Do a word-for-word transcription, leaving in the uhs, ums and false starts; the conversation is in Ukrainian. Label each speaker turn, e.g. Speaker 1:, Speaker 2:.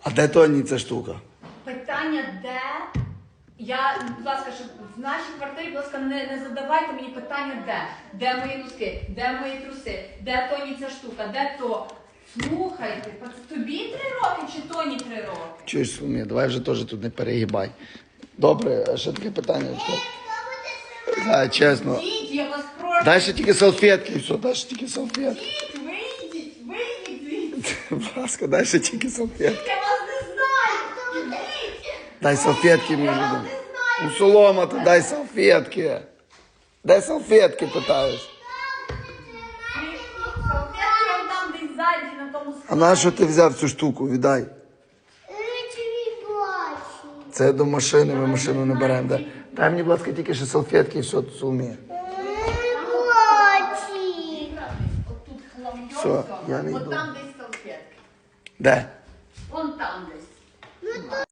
Speaker 1: А де Тоні ця штука?
Speaker 2: Питання, де? Я, будь ласка, щоб в нашій квартирі, будь ласка, не, не задавайте мені питання, де. Де мої носки, де мої труси, де Тоні ця штука, де то. Слухайте, пац- тобі три роки чи Тоні три роки?
Speaker 1: Чуєш, Соломія, давай вже теж тут не перегибай. Добре, а ще таке питання. Да, чесно.
Speaker 2: Діть, я вас прошу.
Speaker 1: Дай ще тільки салфетки і все, дай ще тільки салфетки.
Speaker 2: Діть, вийдіть, вийдіть звідси.
Speaker 1: Будь ласка, дай ще тільки салфетки.
Speaker 2: Я вас не знаю. Діть.
Speaker 1: Дай салфетки мені.
Speaker 2: Я вас
Speaker 1: вже.
Speaker 2: не знаю.
Speaker 1: Ну, Солома, ти дай салфетки. Дай салфетки, питаєш.
Speaker 2: Салфетки вам там десь ззаді на тому
Speaker 1: А
Speaker 2: складі.
Speaker 1: на що ти взяв цю штуку? Віддай. Це до машини, ми машину не беремо. Дай, дай мені, будь ласка, тільки ще салфетки і все, Соломія.
Speaker 2: Отут хламйоса,
Speaker 1: Все, я не
Speaker 2: от
Speaker 1: йду.
Speaker 2: там десь салфетки.
Speaker 1: Де?
Speaker 2: Вон там десь.